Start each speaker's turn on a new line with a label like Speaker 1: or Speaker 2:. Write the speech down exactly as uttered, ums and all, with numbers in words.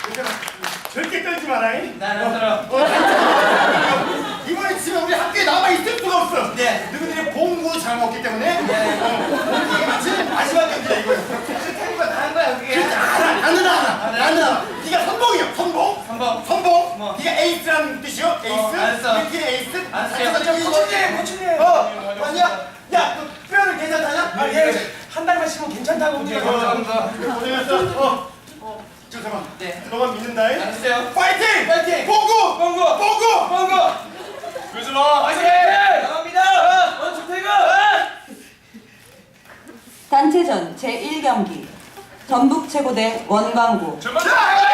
Speaker 1: 절대 떨지 마라잉.
Speaker 2: 나는 떨어.
Speaker 1: 이번에 지금 우리 학교에 남아 있을 수가 없어.
Speaker 2: 네.
Speaker 1: 너희들이 봉구 잘 먹기 때문에.
Speaker 2: 네.
Speaker 1: 어, 이게 마치 마지막 경기야 이거야.
Speaker 2: 하는 거 다 한 거야 그게.
Speaker 1: 그렇지 알아. 나는 알아. 나는 알아. 네가 선봉이야. 선봉.
Speaker 2: 선봉.
Speaker 1: 선봉.
Speaker 2: 뭐.
Speaker 1: 네가 에이스라는 뜻이요. 에이스.
Speaker 2: 어, 알았어.
Speaker 1: 우리 팀의 에이스.
Speaker 2: 알았어요.
Speaker 1: 코치님, 코치님. 어, 아니야. 야, 너 뼈는 괜찮다냐?
Speaker 3: 아, 예. 한 달만 쉬면 괜찮다고.
Speaker 2: 네, 감사합니다.
Speaker 1: 고생했어. 어. 어. 잠깐만.
Speaker 2: 네.
Speaker 1: 너만 믿는다잉.
Speaker 2: 알았어요.
Speaker 1: 파이팅!
Speaker 2: 파이팅!
Speaker 1: 봉구!
Speaker 2: 봉구!
Speaker 1: 봉구!
Speaker 2: 봉구!
Speaker 3: 요즘아,
Speaker 2: 화이팅! 나갑니다! 원투 태그!
Speaker 4: 단체전 제일 경기 전북 최고대 원광구
Speaker 3: 출발!
Speaker 1: 자!